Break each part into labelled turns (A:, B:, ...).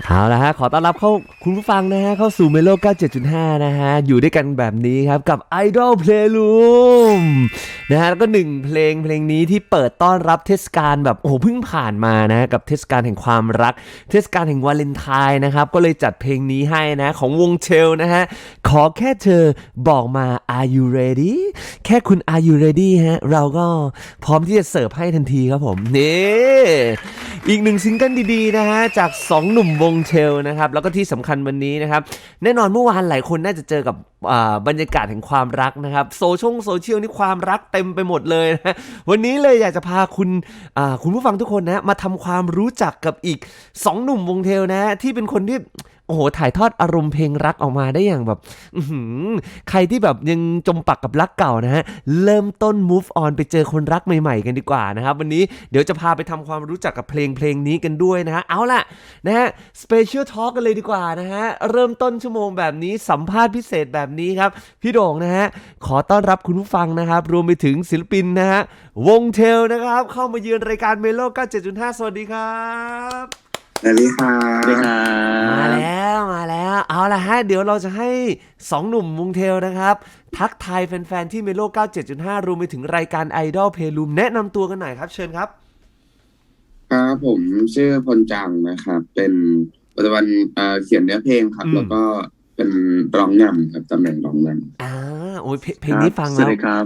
A: เอาละฮะขอต้อนรับเข้าคุณผู้ฟังนะฮะเข้าสู่เมโล97.5นะฮะอยู่ด้วยกันแบบนี้ครับกับ Idol Playroom นะฮะแล้วก็หนึ่งเพลงนี้ที่เปิดต้อนรับเทศกาลแบบโอ้โหเพิ่งผ่านมานะกับเทศกาลแห่งความรักเทศกาลแห่งวาเลนไทน์นะครับก็เลยจัดเพลงนี้ให้นะของวงเชลนะฮะขอแค่เธอบอกมา Are you ready แค่คุณ Are you ready ฮะเราก็พร้อมที่จะเสิร์ฟให้ทันทีครับผมนี่อีกหนึ่งซิงเกิลดีๆนะฮะจาก2หนุ่มวงเชลนะครับแล้วก็ที่สำคัญวันนี้นะครับแน่นอนเมื่อวานหลายคนน่าจะเจอกับบรรยากาศแห่งความรักนะครับโซเชียลนี่ความรักเต็มไปหมดเลยนะวันนี้เลยอยากจะพาคุณผู้ฟังทุกคนนะมาทำความรู้จักกับอีก2หนุ่มวงเชลนะที่เป็นคนที่โอ้โหถ่ายทอดอารมณ์เพลงรักออกมาได้อย่างแบบใครที่แบบยังจมปักกับรักเก่านะฮะเริ่มต้น move on ไปเจอคนรักใหม่ๆกันดีกว่านะครับวันนี้เดี๋ยวจะพาไปทำความรู้จักกับเพลงนี้กันด้วยนะฮะเอาล่ะนะฮะ special talk กันเลยดีกว่านะฮะเริ่มต้นชั่วโมงแบบนี้สัมภาษณ์พิเศษแบบนี้ครับพี่โด่งนะฮะขอต้อนรับคุณผู้ฟังนะครับรวมไปถึงศิลปินนะฮะวงเทลนะครับเข้ามาเยือนรายการเมโล97.5 สวัสดีครับ
B: สวัสดีค่ะ
C: สวัสดีครั
A: มาแล้วเอาละฮะเดี๋ยวเราจะให้2หนุ่มวงเทลนะครับทักทายแฟนๆที่เมโล97.5 รวมไปถึงรายการ Idol Playroom แนะนำตัวกันหน่อยครับเชิญครับ
B: ครับผมชื่อพลจังนะครับเป็นปัจจุบันเขียนเนื้อเพลงครับแล้วก็เป็นร้องนำครับตำแหน่งร้องน
A: ำโอ้ยเพลงนี้ฟังแล้ว
C: สวัสดีครับ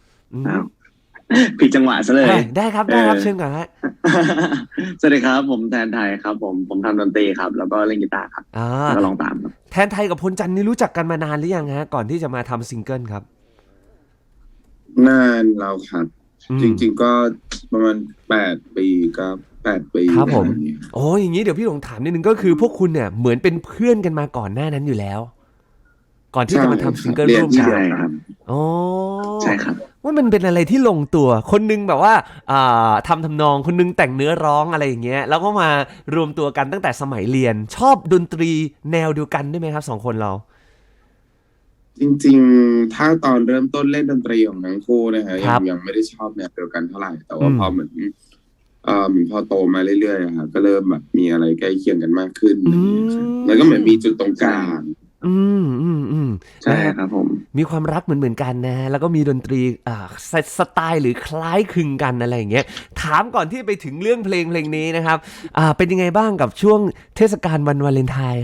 C: ผิดจังหวะซะเลย
A: ได้ครับเชิญก่อนฮะ
C: สวัสดีครับผมแทนไทยครับผมทำดนตรีครับแล้วก็เล่นกีตาร์ครับแล้วก็ร้องตามครับ
A: แทนไทยกับพลจันทร์นี่รู้จักกันมานานหรือยังฮะก่อนที่จะมาทำซิงเกิลครับ
B: นานแล้วครับจริงๆก็ประมาณ8 ปีก็8 ปี
A: ครับผมโอ้อย่างนี้เดี๋ยวพี่หลงถามนิดนึงก็คือพวกคุณเนี่ยเหมือนเป็นเพื่อนกันมาก่อนหน้านั้นอยู่แล้วก่อนที่จะมาทำซิงเกิลร่วมกัน
C: ครับ
A: อ๋อ
C: ใช่ครับ
A: ว่ามันเป็นอะไรที่ลงตัวคนนึงแบบว่าทำนองคนนึงแต่งเนื้อร้องอะไรอย่างเงี้ยแล้วก็มารวมตัวกันตั้งแต่สมัยเรียนชอบดนตรีแนวเดียวกันได้ไหมครับ2คนเรา
B: จริงๆถ้าตอนเริ่มต้นเล่นดนตรีของทั้งคู่นะฮะยังไม่ได้ชอบแนวเดียวกันเท่าไหร่แต่ว่าพอเหมือนพอโตมาเรื่อยๆครับก็เริ่มแบบมีอะไรใกล้เคียงกันมากขึ้นแล้วก็เหมือนมีจุดตรงกลาง
C: ใช่ครับผม
A: มีความรักเหมือนกันนะแล้วก็มีดนตรีสไตล์หรือคล้ายคลึงกันอะไรอย่างเงี้ยถามก่อนที่ไปถึงเรื่องเพลงนี้นะครับเป็นยังไงบ้างกับช่วงเทศกาลวันวาเลนไทน์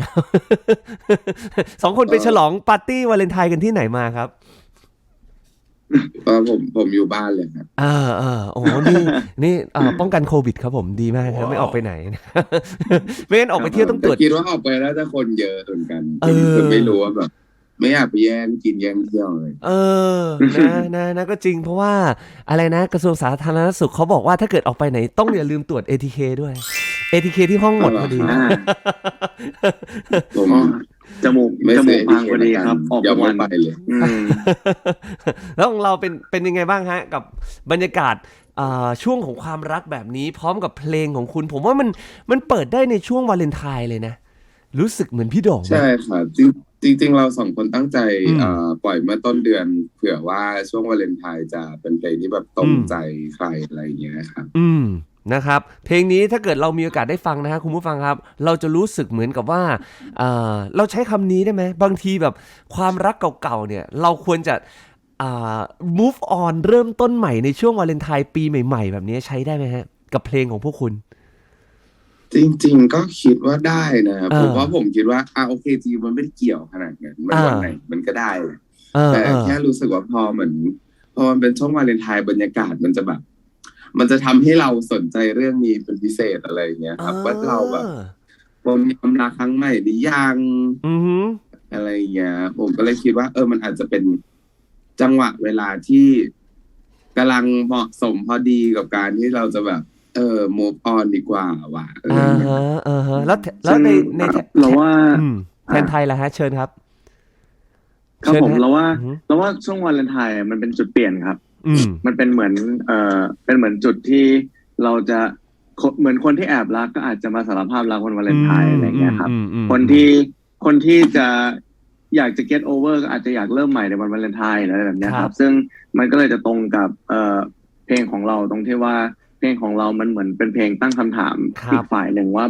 A: 2 คนไปฉลองปาร์ตี้วาเลนไทน์กันที่ไหนมาครับ
B: ผมอยู่บ้านเลยครับ
A: โอ้นี่ป้องกันโควิดครับผมดีมากครับไม่ออกไปไหนไม่งั้นออกไปเที่ยวต้องตรวจ
B: คิดว่าออกไปแล้วจะคนเยอะเหมือนกันคือไม่รู้ว่าแบบไม่อยากไปแย่งกินแย่งเที่ยวเลย
A: นะก็จริงเพราะว่าอะไรนะกระทรวงสาธารณสุขเขาบอกว่าถ้าเกิดออกไปไหนต้องอย่าลืมตรวจ ATK ด้วย ATK ที่ห้องหมดพอดี
C: จมูกพังพอดีครับออกวัน
B: ไปเลย
A: แล้วของเราเป็นยังไงบ้างฮะกับบรรยากาศช่วงของความรักแบบนี้พร้อมกับเพลงของคุณผมว่ามันเปิดได้ในช่วงวาเลนไทน์เลยนะรู้สึกเหมือนพี่โด่ง
B: ใช่ค่ะจริงเรา2 คนตั้งใจปล่อยเมื่อต้นเดือนเผื่อว่าช่วงวาเลนไทน์จะเป็นเพลงที่แบบตรงใจใครอะไรอย่างเงี้ยครับ
A: นะครับเพลงนี้ถ้าเกิดเรามีโอกาสได้ฟังนะฮะคุณผู้ฟังครับเราจะรู้สึกเหมือนกับว่าเราใช้คำนี้ได้ไหมบางทีแบบความรักเก่าๆเนี่ยเราควรจะmove on เริ่มต้นใหม่ในช่วงวาเลนไทน์ปีใหม่ๆแบบนี้ใช้ได้ไหมฮะกับเพลงของพวกคุณ
B: จริงๆก็คิดว่าได้นะผมคิดว่าโอเคจริงมันไม่ได้เกี่ยวขนาดนั้นมันวันไหนมันก็ได้แต่แค่รู้สึกว่าพอมันเป็นช่วงวาเลนไทน์บรรยากาศมันจะแบบมันจะทำให้เราสนใจเรื่องนี้เป็นพิเศษอะไรอย่างเงี้ยครับว่าเราแบบมีความรักครั้งใหม่หรือยังอะไรอย่างเงี้ยผมก็เลยคิดว่ามันอาจจะเป็นจังหวะเวลาที่กำลังเหมาะสมพอดีกับการที่เราจะแบบmove on ดีกว่าว่ะ
A: แล้วใน
C: เราว่า
A: แทนไทยล่ะฮะเชิญครับ
C: ครับผมเราว่าช่วงวาเลนไทน์มันเป็นจุดเปลี่ยนครับมันเป็นเหมือนจุดที่เราจะเหมือนคนที่แอบรักก็อาจจะมาสารภาพรักวันวาเลนไทน์อะไรเงี้ยครับคนที่จะอยากจะ get over ก็อาจจะอยากเริ่มใหม่ในวันวาเลนไทน์อะไรแบบนี้ครับซึ่งมันก็เลยจะตรงกับเพลงของเราตรงที่ว่าเพลงของเรามันเหมือนเป็นเพลงตั้งคำถามอีกฝ่ายหนึ่งว่าแบบ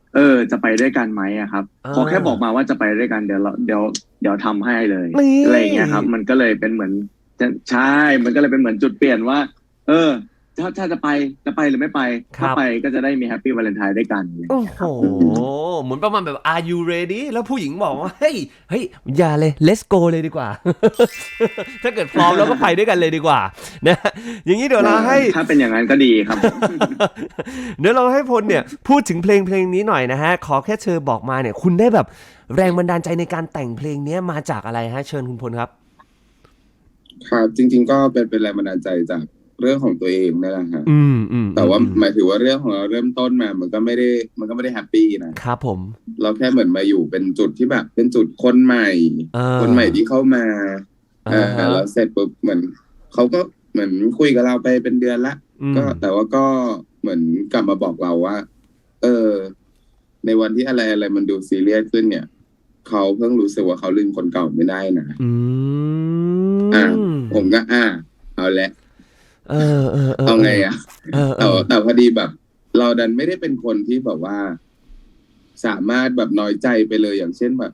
C: จะไปด้วยกันไหมอะครับขอแค่บอกมาว่าจะไปด้วยกันเดี๋ยวทำให้เลยอะไรอย่างเงี้ยครับมันก็เลยเป็นเหมือนใช่มันก็เลยเป็นเหมือนจุดเปลี่ยนว่าถ้าจะไปหรือไม่ไปถ้าไปก็จะได้มีแฮปปี้วาเลนไทน์ด้วยกัน
A: โอ้โหเหมือนประมาณแบบ Are you ready แล้วผู้หญิงบอกว่าเฮ้ยอย่าเลย let's go เลยดีกว่า ถ้าเกิดพร้อมแล้วก็ไปด้วยกันเลยดีกว่านะอย่างนี้เดี๋ยวเราให้
C: ถ้าเป็นอย่างนั้นก็ดีครับ
A: เดี๋ยวเราให้พลเนี่ยพูดถึงเพลงนี้หน่อยนะฮะขอแค่เธอบอกมาเนี่ยคุณได้แบบแรงบันดาลใจในการแต่งเพลงนี้มาจากอะไรฮะเชิญคุณพลครับ
B: ครับจริงๆก็เป็นแรงบันดาลใจจากเรื่องของตัวเองนั่นแหละฮะแต่ว่าหมายถึงว่าเรื่องของเราเริ่มต้นมามันก็ไม่ได้แฮปปี้นะครับ
A: ผม
B: เราแค่เหมือนมาอยู่เป็นจุดที่แบบเป็นจุดคนใหม่ที่เข้ามาแล้วเสร็จปุ๊บเหมือนเขาก็เหมือนคุยกับเราไปเป็นเดือนละก็แต่ว่าก็เหมือนกลับมาบอกเราว่าในวันที่อะไรมันดูซีเรียสขึ้นเนี่ยเขาเพิ่งรู้สึกว่าเขาลืมคนเก่าไม่ได้นะผมก็เอาละเอาไงแต่พอดีแบบเราดันไม่ได้เป็นคนที่แบบว่าสามารถแบบน้อยใจไปเลยอย่างเช่นแบบ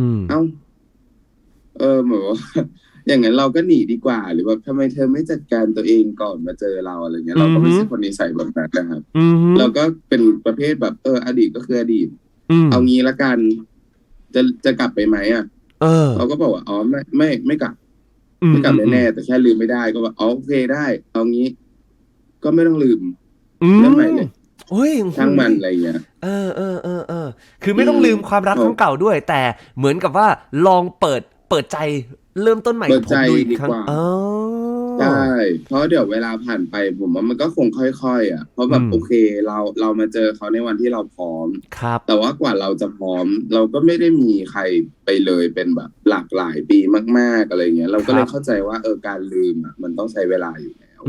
B: เหมือนว่าอย่างนั้นเราก็หนีดีกว่าหรือว่าทำไมเธอไม่จัดการตัวเองก่อนมาเจอเราอะไรเงี้ยเราก็ไม่ใช่คนนิสัยแบบนั้นนะครับเราก็เป็นประเภทแบบอดีตก็คืออดีตเอางี้ละกันจะกลับไปไหมเราก็บอกว่าอ๋อไม่กลับแน่ๆแต่แค่ลืมไม่ได้ก็ว่าโอเคได้เอางี้ก็ไม่ต้องลืมเรื่องใหม่เลยช่างมันอะไรเงี้ย
A: คือไม่ต้องลืมความรักครั้งเก่าด้วยแต่เหมือนกับว่าลองเปิดใจเริ่มต้นใหม่กับผมดูอีกครั้ง
B: ใช่เพราะเดี๋ยวเวลาผ่านไปผมว่ามันก็คงค่อยๆเพราะแบบโอเคเรามาเจอเขาในวันที่เราพร้อมแต่ว่ากว่าเราจะพร้อมเราก็ไม่ได้มีใครไปเลยเป็นแบบหลากหลายปีมากๆอะไรเงี้ยเราก็เลยเข้าใจว่าการลืมมันต้องใช้เวลาอยู่แล้ว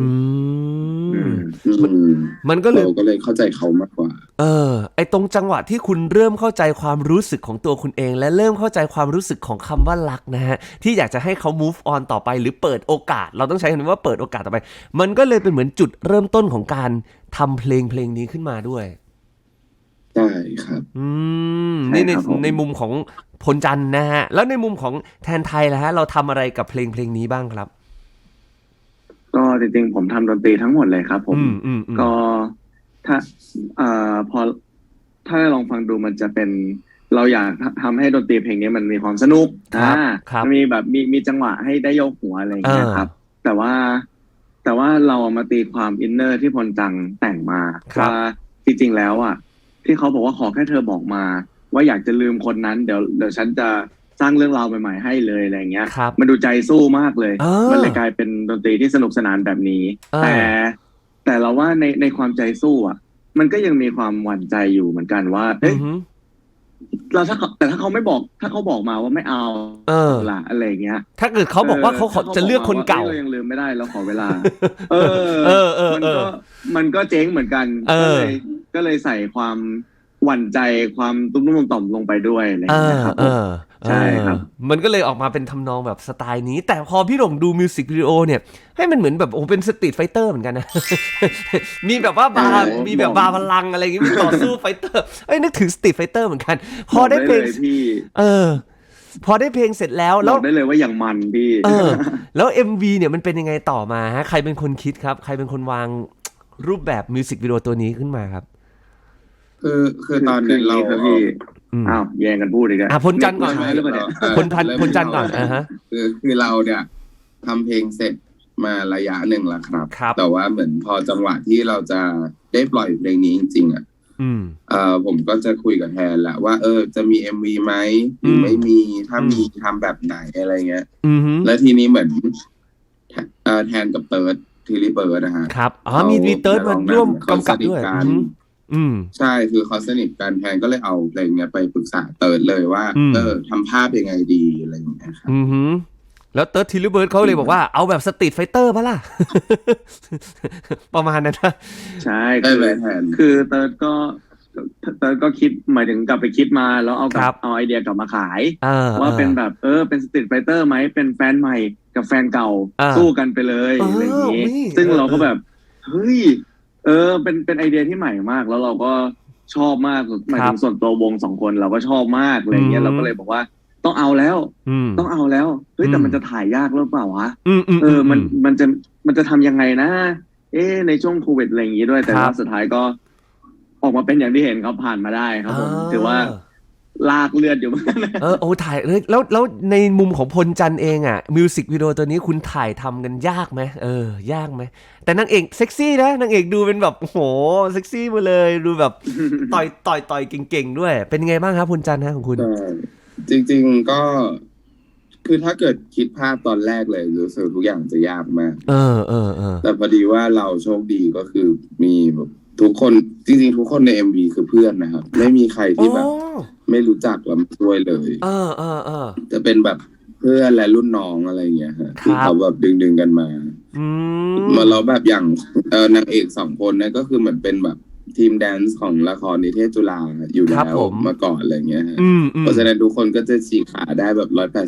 A: มันก็เลย
B: เราก็เลยเข้าใจเขามากกว่า
A: ไอตรงจังหวะที่คุณเริ่มเข้าใจความรู้สึกของตัวคุณเองและเริ่มเข้าใจความรู้สึกของคำว่ารักนะฮะที่อยากจะให้เขา move on ต่อไปหรือเปิดโอกาสเราต้องใช้คำว่าเปิดโอกาสต่อไปมันก็เลยเป็นเหมือนจุดเริ่มต้นของการทำเพลงนี้ขึ้นมาด้วย
B: ใช่ครับ
A: นี่ในมุมของพลจันทร์นะฮะแล้วในมุมของแทนไทยล่ะฮะเราทำอะไรกับเพลงนี้บ้างครับ
C: ก็จริงๆผมทำดนตรีทั้งหมดเลยครับผมก็ถ้าพอถ้าลองฟังดูมันจะเป็นเราอยากทำให้ดนตรีเพลงนี้มันมีความสนุกมันมีแบบมีจังหวะให้ได้ยกหัวอะไรอย่างเงี้ยครับแต่ว่าเรามาตีความอินเนอร์ที่พลจังแต่งมาว่าจริงๆแล้วที่เขาบอกว่าขอแค่เธอบอกมาว่าอยากจะลืมคนนั้นเดี๋ยวฉันจะสร้างเรื่องราวใหม่ๆให้เลยอะไรเงี้ยมันดูใจสู้มากเลยมันเลยกลายเป็นดนตรีที่สนุกสนานแบบนี้แต่เราว่าในความใจสู้มันก็ยังมีความหวั่นใจอยู่เหมือนกันว่าเราถ้าเขาไม่บอกถ้าเขาบอกมาว่าไม่เอาล่ะอะไรเงี้ย
A: ถ้าเกิดเขาบอกว่าเขาจะเลือกคนเก่า
C: เรายังลืมไม่ได้เราขอเวลามันก็เจ๊งเหมือนกันก็เลยใส่ความหวั่นใจความตุ้มๆต่อมลงไปด้วยอะไรอย่างเงี้ยครับใช่ครับ
A: มันก็เลยออกมาเป็นทำนองแบบสไตล์นี้แต่พอพี่หลงดูมิวสิกวิดีโอเนี่ยให้มันเหมือนแบบเป็นสตรีทไฟเตอร์เหมือนกันนะมีแบบว่ามีแบบบาร์พลังอะไรอย่างงี้มีต่อสู้ไฟเตอร์นึกถึงสตรีทไฟเตอร์เหมือนกันพอได้เพลงพอได้เพลงเสร็จแล้ว
C: บอกได้เลยว่าอย่างมันพี่
A: แล้ว MV เนี่ยมันเป็นยังไงต่อมาฮะใครเป็นคนคิดครับใครเป็นคนวางรูปแบบมิวสิกวิดีโอตัวนี้ขึ้นมาครับ
B: คือตอนนี้เรา
C: แย่งกันพูดอีกแล้ว
A: พลจันทร์ก่อนพลจันทร์ก่อน
B: คือเราเนี่ยทำเพลงเสร็จมาระยะหนึ่งแล้วครับแต่ว่าเหมือนพอจังหวะที่เราจะได้ปล่อยเพลงนี้จริงๆผมก็จะคุยกับแทนแหละว่าจะมี MV ไหมหรือไม่มีถ้ามีทำแบบไหนอะไรเงี้ยแล้วทีนี้เหมือนแทนกับเติร์ดทีรีเบิร์ดนะฮะ
A: ครับมีเติร์ดมาร่วมกำกับด้วย
B: ใช่คือเขาสนิทกันแทนก็เลยเอาเพลงเนี้ยไปปรึกษาเติร์ดเลยว่าทำภาพยังไงดีอะไรอย่างเงี้ยครับ
A: แล้วเติร์ดทีรีเบิร์ดเขาเลยบอกว่าเอาแบบสตรีทไฟเตอร์ป่ะล่ะประมาณนั้นนะ
C: ใช่คือเติร์ดก็คิดหมายถึงกลับไปคิดมาแล้วเอาไอเดียกลับมาขายว่าเป็นแบบเป็นสตรีทไฟเตอร์ไหมเป็นแฟนใหม่กับแฟนเก่าสู้กันไปเลยอะไรอย่างงี้ซึ่งเราก็แบบเฮ้ยเป็นไอเดียที่ใหม่มากแล้วเราก็ชอบมากหมายถึงส่วนตัววง2 คนเราก็ชอบมากอะไรเงี้ยเราก็เลยบอกว่าต้องเอาแล้วต้องเอาแล้วเฮ้ยแต่มันจะถ่ายยากหรือเปล่าวะมันจะทำยังไงนะในช่วงโควิดอะไรอย่างงี้ด้วยแต่ว่าสุดท้ายก็ออกมาเป็นอย่างที่เห็นครับผ่านมาได้ครับผมถือว่าลากเลือดอยู่เหมือนกัน
A: โอ้ถ่ายแล้วในมุมของพลจันทร์เองอ่ะมิวสิกวิดีโอตัวนี้คุณถ่ายทำกันยากไหมยากไหมแต่นางเอกเซ็กซี่นะนางเอกดูเป็นแบบโอ้โหเซ็กซี่มาเลยดูแบบต่อยเก่งๆด้วยเป็นไงบ้างครับพลจันทร์ฮะของคุณ
B: จริงๆก็คือถ้าเกิดคิดภาพตอนแรกเลยรู้สึกทุกอย่างจะยากมากแต่พอดีว่าเราโชคดีก็คือมีแบบทุกคนจริงๆทุกคนใน MV คือเพื่อนนะครับไม่มีใครที่แบบไม่รู้จักเราด้วยเลยจะเป็นแบบเพื่อนและรุ่นน้องอะไรอย่างเงี้ยฮะที่เขาแบบดึงกันมาเราแบบอย่างนางเอก2 คนเนี่ยก็คือเหมือนเป็นแบบทีมแดนซ์ของละครนิเทศจุฬาอยู่แล้วมาก่อนอะไรเงี้ยฮะเพราะฉะนั้นทุกคนก็จะฉีกขาได้แบบ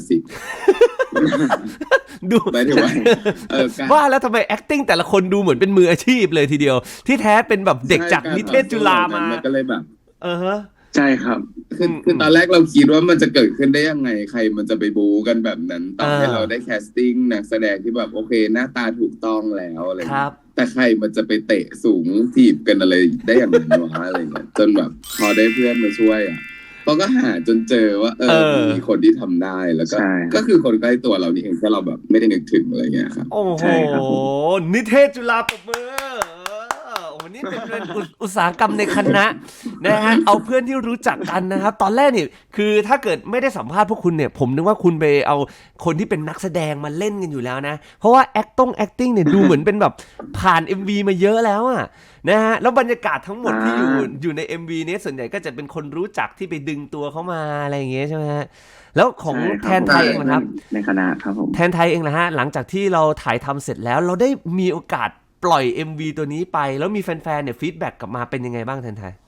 B: 180
A: ดู
B: ไม่ถึง
A: ว่าแล้วทำไม acting แต่ละคนดูเหมือนเป็นมืออาชีพเลยทีเดียวที่แท้เป็นแบบเด็กจากนิเทศจุฬามา
B: ก็เลยแบบ
C: ใช่ครับ
B: คือตอนแรกเราคิดว่ามันจะเกิดขึ้นได้ยังไงใครมันจะไปบู๊กันแบบนั้นตอนให้เราได้แคสติ้งนักแสดงที่แบบโอเคหน้าตาถูกต้องแล้วอะไรแต่ใครมันจะไปเตะสูงถีบกันอะไรได้อย่างนั้นวะอะไรเงี้ยจนแบบพอได้เพื่อนมาช่วยเราก็หาจนเจอว่ามีคนที่ทำได้แล้วก็คือคนใกล้ตัวเรานี่เองถ้าเราแบบไม่ได้นึกถึงอะไรเงี้ยครับ
A: โอ้โหนิเทศจุฬาปรบมือวันนี้เป็นอุตสาหกรรมในคณะนะฮะเอาเพื่อนที่รู้จักกันนะครับตอนแรกเนี่ยคือถ้าเกิดไม่ได้สัมภาษณ์พวกคุณเนี่ยผมนึกว่าคุณไปเอาคนที่เป็นนักแสดงมาเล่นกันอยู่แล้วนะเพราะว่า acting เนี่ยดูเหมือนเป็นแบบผ่าน MV มาเยอะแล้วอะนะฮะแล้วบรรยากาศทั้งหมดที่อยู่ใน MV นี้ส่วนใหญ่ก็จะเป็นคนรู้จักที่ไปดึงตัวเข้ามาอะไรอย่างเงี้ยใช่ไหมฮะแล้วของแทนไทยเองนะครับ
C: ในคณะครับผม
A: แทนไทยเองนะฮะหลังจากที่เราถ่ายทำเสร็จแล้วเราได้มีโอกาสปล่อย MV ตัวนี้ไปแล้วมีแฟนๆเนี่ยฟีดแบ็กกลับมาเป็นยังไงบ้างแทนไทย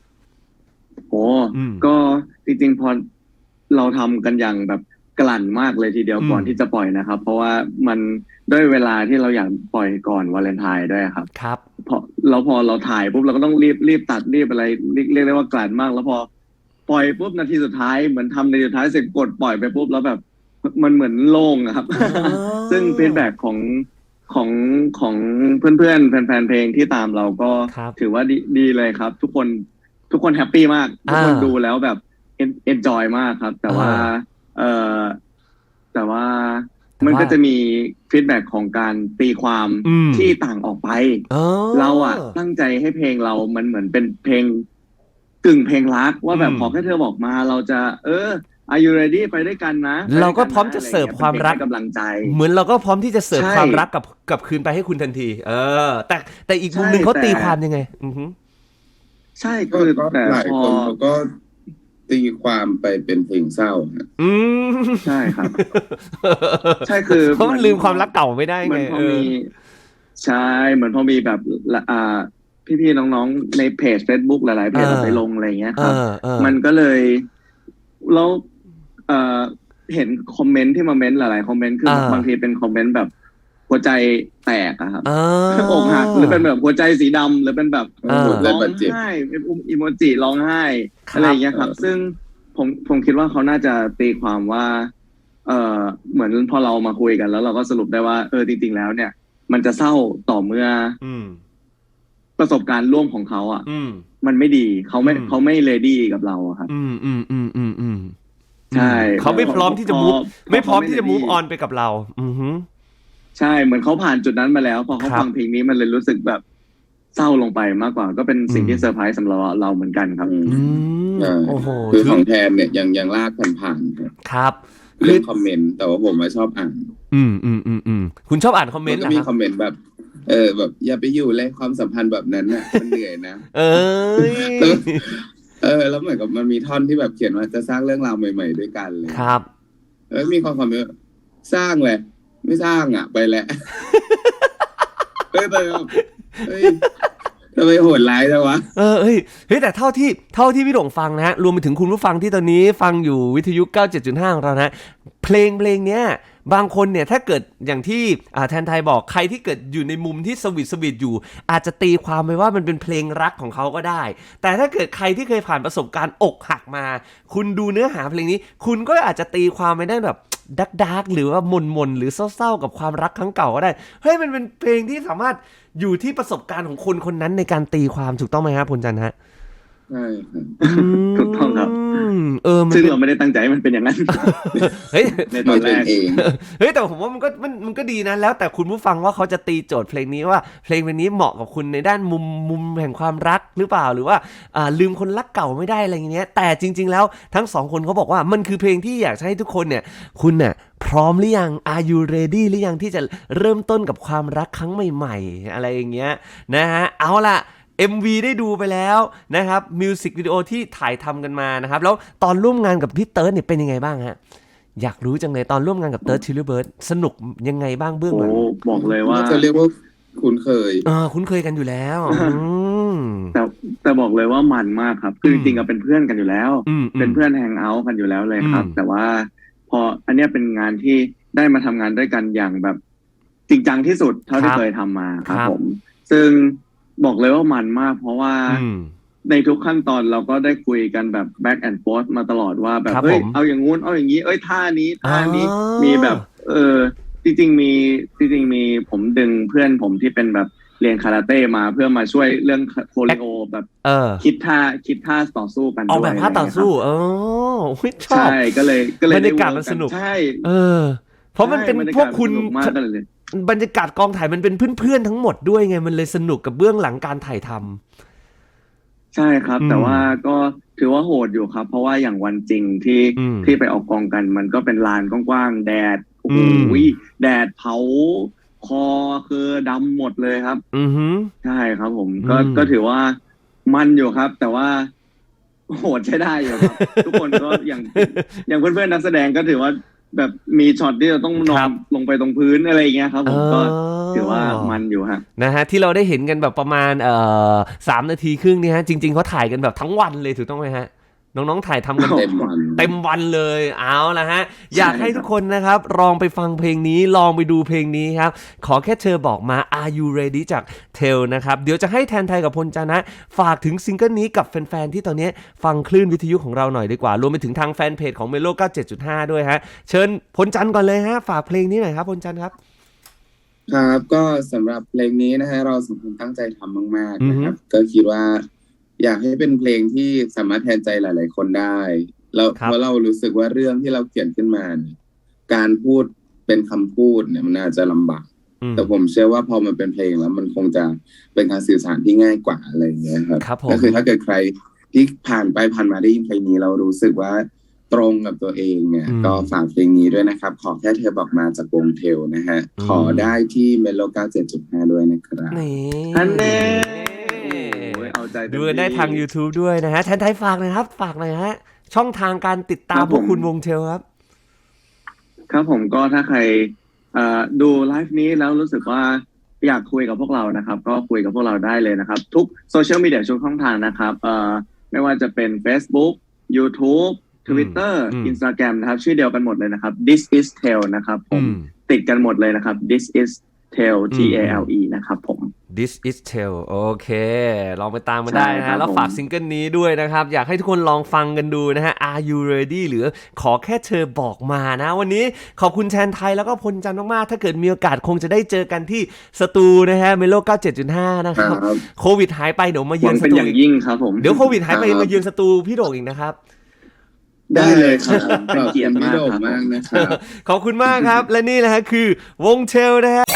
C: ก็จริงๆพอเราทำกันอย่างแบบกลั่นมากเลยทีเดียวก่อนที่จะปล่อยนะครับเพราะว่ามันด้วยเวลาที่เราอยากปล่อยก่อนวาเลนไทน์ด้วยครับพอเราถ่ายปุ๊บเราก็ต้องรีบตัดรีบอะไรเรียกได้ว่ากลั่นมากแล้วพอปล่อยปุ๊บนาทีสุดท้ายเหมือนทำในสุดท้ายเสร็จกดปล่อยไปปุ๊บแล้วแบบมันเหมือนโล่งครับซึ่งฟีดแบ็กของเพื่อนๆแฟนๆเพลงที่ตามเราก็ถือว่าดีเลยครับทุกคนแฮปปี้มากทุกคนดูแล้วแบบเอนจอยมากครับแต่ว่ามันก็จะมีฟีดแบ็กของการตีความที่ต่างออกไปเราตั้งใจให้เพลงเรามันเหมือนเป็นเพลงกึ่งเพลงรักว่าแบบขอแค่เธอบอกมาเราจะAre you ready ไปด้วยกันนะ
A: เราก็พร้อมจะเสิร์ฟความรัก
C: กำลังใจ
A: เหมือนเราก็พร้อมที่จะเสิร์ฟความรักกับคืนไปให้คุณทันทีแต่อีกมุมนึงเขาตีความยังไง
C: ใช่คือแต่
B: หลายคนเขาก็ตีความไปเป็นเพลงเศร้า
C: ใช่ครับใช่คือ
A: เพราะมันลืมความรักเก่าไม่ได้ไง
C: ใช่เหมือนพอมีแบบพี่ๆน้องๆในเพจ Facebook หลายๆเพจไปลงอะไรเงี้ยครับมันก็เลยแล้วเห็นคอมเมนต์ที่มาเม้นต์หลายๆคอมเมนต์คือบางทีเป็นคอมเมนต์แบบหัวใจแตกครับอกหักหรือเป็นแบบหัวใจสีดำหรือเป็นแบบร้องไห้เป็นอีโมจิร้องไห้อะไรอย่างเงี้ยครับซึ่งผมคิดว่าเขาน่าจะตีความว่าเหมือนพอเรามาคุยกันแล้วเราก็สรุปได้ว่าจริงๆแล้วเนี่ยมันจะเศร้าต่อเมื่อประสบการณ์ร่วมของเขามันไม่ดีเขาไม่เรดี้กับเราครับใช่
A: เขาไม่พร้อมที่จะมูฟออนไปกับเรา
C: ใช่เหมือนเขาผ่านจุดนั้นมาแล้วพอเขาฟังเพลงนี้มันเลยรู้สึกแบบเศร้าลงไปมากกว่าก็เป็นสิ่งที่เซอร์ไพรส์สำหรับเราเหมือนกันครับ
B: คือของแทนเนี่ยยังลากผ่าน
A: ครับ
B: เรื่องคอมเมนต์แต่ว่าผมชอบอ่าน
A: คุณชอบอ่านคอมเมนต์เหรอ
B: ครับก็มีคอมเมนต์แบบแบบอย่าไปอยู่เลยความสัมพันธ์แบบนั้นน่ะมันเหนื่อยนะแล้วเหมือนกับมันมีท่อนที่แบบเขียนว่าจะสร้างเรื่องราวใหม่ๆด้วยกันเลย
A: ครับ
B: มีความความสร้างเลยไม่สร้างไปแล้วแต่ทำไมโหดร้ายจังวะ
A: เฮ้ยแต่เท่าที่พี่โด่งฟังนะฮะรวมไปถึงคุณผู้ฟังที่ตอนนี้ฟังอยู่วิทยุ 97.5 ของเรานะเพลงเนี้ยบางคนเนี่ยถ้าเกิดอย่างที่แทนไทยบอกใครที่เกิดอยู่ในมุมที่สวีทอยู่อาจจะตีความไปว่ามันเป็นเพลงรักของเขาก็ได้แต่ถ้าเกิดใครที่เคยผ่านประสบการณ์อกหักมาคุณดูเนื้อหาเพลงนี้คุณก็อาจจะตีความไปได้แบบดาร์กหรือว่าหม่นหรือเศร้าๆกับความรักครั้งเก่าก็ได้เฮ้ยมันเป็นเพลงที่สามารถอยู่ที่ประสบการณ์ของคนคนนั้นในการตีความถูกต้องไหมครับพลจันทร์ฮะ
B: ใช่ครับ
C: ถูกต้องครับซึ่งเราไม่ได้ตั้งใจให้มันเป็นอย่างนั้น
A: เฮ้ย
C: ในตอนแรก
A: เฮ้ยแต่ผมว่ามันก็ดีนะแล้วแต่คุณผู้ฟังว่าเขาจะตีโจทย์เพลงนี้ว่าเพลงนี้เหมาะกับคุณในด้านมุมแห่งความรักหรือเปล่าหรือว่าลืมคนรักเก่าไม่ได้อะไรอย่างเงี้ยแต่จริงๆแล้วทั้งสองคนเขาบอกว่ามันคือเพลงที่อยากให้ทุกคนเนี่ยคุณเนี่ยพร้อมหรือยัง Are you ready หรือยังที่จะเริ่มต้นกับความรักครั้งใหม่ๆอะไรอย่างเงี้ยนะฮะเอาล่ะMV ได้ดูไปแล้วนะครับมิวสิกวิดีโอที่ถ่ายทำกันมานะครับแล้วตอนร่วมงานกับพี่เติร์ดเนี่ยเป็นยังไงบ้างฮะอยากรู้จังเลยตอนร่วมงานกับเติร์ดชิลลี่เบิร์ดสนุกยังไงบ้างเบื้องหลัง
C: บอกเลยว่า
B: จะเรียกว่าคุ้นเคย
A: คุ้นเคยกันอยู่แล้ว
C: แต่บอกเลยว่ามันมากครับคือจริงๆเป็นเพื่อนกันอยู่แล้วเป็นเพื่อนแฮงเอาท์กันอยู่แล้วเลยครับแต่ว่าพออันนี้เป็นงานที่ได้มาทำงานด้วยกันอย่างแบบจริงจังที่สุดเท่าที่เคยทำมาครับผมซึ่งบอกเลยว่ามันมากเพราะว่าในทุกขั้นตอนเราก็ได้คุยกันแบบ back and forth มาตลอดว่าแบบเฮ้ยเอาอย่างงู้นเอาอย่างนี้ท่านี้มีแบบจริงๆมีผมดึงเพื่อนผมที่เป็นแบบเรียนคาราเต้มาเพื่อมาช่วยเรื่องโคลิโอแบบคิดท่าต่อสู้กันด้วย
A: เอาแบบท่าต่อสู้ชอบ
C: ใช่ก็เลย
A: บรรยากาศมันสนุก
C: ใช่
A: เพราะมันเป็นพวกคุณบรรยากาศกองถ่ายมันเป็นเพื่อนๆทั้งหมดด้วยไงมันเลยสนุกกับเบื้องหลังการถ่ายท
C: ำใช่ครับแต่ว่าก็ถือว่าโหดอยู่ครับเพราะว่าอย่างวันจริงที่ไปออกกองกันมันก็เป็นลานกว้างๆแดดโอ้โหแดดเผาคอคือดำหมดเลยครับใช่ครับผมก็ถือว่ามันอยู่ครับแต่ว่าโหดใช้ได้อยู่ครับทุกคนก็อย่างเพื่อนๆนักแสดงก็ถือว่าแบบมีช็อตที่เราต้องนอนลงไปตรงพื้นอะไรอย่างเงี้ยครับผมก็ถือว่ามันอยู่ฮะ
A: นะฮะที่เราได้เห็นกันแบบประมาณ3 นาทีครึ่งนี่ฮะจริงๆเขาถ่ายกันแบบทั้งวันเลยถูกต้องไหมฮะน้องๆถ่ายทำกันเต็มวันเลยเอาละฮะอยากให้ทุกคนนะครับลองไปฟังเพลงนี้ลองไปดูเพลงนี้ครับขอแค่เธอบอกมา Are you ready จาก Tell นะครับเดี๋ยวจะให้แทนไทยกับพลจันทร์นะฝากถึงซิงเกิลนี้กับแฟนๆที่ตอนนี้ฟังคลื่นวิทยุของเราหน่อยดีกว่ารวมไปถึงทางแฟนเพจของ Melo 97.5 ด้วยฮะเชิญพลจันทร์ก่อนเลยฮะฝากเพลงนี้หน่อยครับพลจันทร์ครับ
B: ครับก็สำหรับเพลงนี้นะฮะเราสองคนตั้งใจทำมากๆนะครับก็คิดว่าอยากให้เป็นเพลงที่สามารถแทนใจหลายๆคนได้แล้วเพราะเรารู้สึกว่าเรื่องที่เราเขียนขึ้นมาเนี่ยการพูดเป็นคำพูดเนี่ยมันอาจจะลำบากแต่ผมเชื่อว่าพอมันเป็นเพลงแล้วมันคงจะเป็นการสื่อสารที่ง่ายกว่าอะไรอย่างเงี้ยครับก็คือถ้าเกิดใครที่ผ่านไปผ่านมาได้ยินเพลงนี้เรารู้สึกว่าตรงกับตัวเองเนี่ยก็ฝากเพลงนี้ด้วยนะครับขอแค่เธอบอกมาจากวงเทลนะฮะขอได้ที่เมโล 97.5 ด้วยนะครับ
A: อันนี้ดูได้ทาง YouTube ด้วยนะฮะแทนไทยฝากเลยครับฝากหน่อยฮะช่องทางการติดตามพวกคุณวงเทลครับ
C: ครับผมก็ถ้าใครดูไลฟ์นี้แล้วรู้สึกว่าอยากคุยกับพวกเรานะครับก็คุยกับพวกเราได้เลยนะครับทุกโซเชียลมีเดียทุกช่องทางนะครับไม่ว่าจะเป็น Facebook YouTube Twitter Instagram นะครับชื่อเดียวกันหมดเลยนะครับ This is Tell นะครับผมติดกันหมดเลยนะครับ This is Tell TALE นะครับผม
A: This is Tell โอเคลองไปตามมาได้นะฮะแล้วฝากซิงเกิลนี้ด้วยนะครับอยากให้ทุกคนลองฟังกันดูนะฮะ Are you ready หรือขอแค่เธอบอกมานะวันนี้ขอบคุณแทนไทยแล้วก็พลจันทร์มากๆถ้าเกิดมีโอกาสคงจะได้เจอกันที่สตูนะฮะ Melo 97.5 นะครับโควิดหายไปเดี๋ยวมาเยือนสตู
C: อย่างยิ่งครับผม
A: เดี๋ยวโควิดหายไปมาเยือนสตูพี่โด่งอีกนะครับ
B: ได้เลยครับเป็นเกียรติมากนะครับ
A: ขอบคุณมากครับและนี่แหละฮะคือวงเทลนะฮะ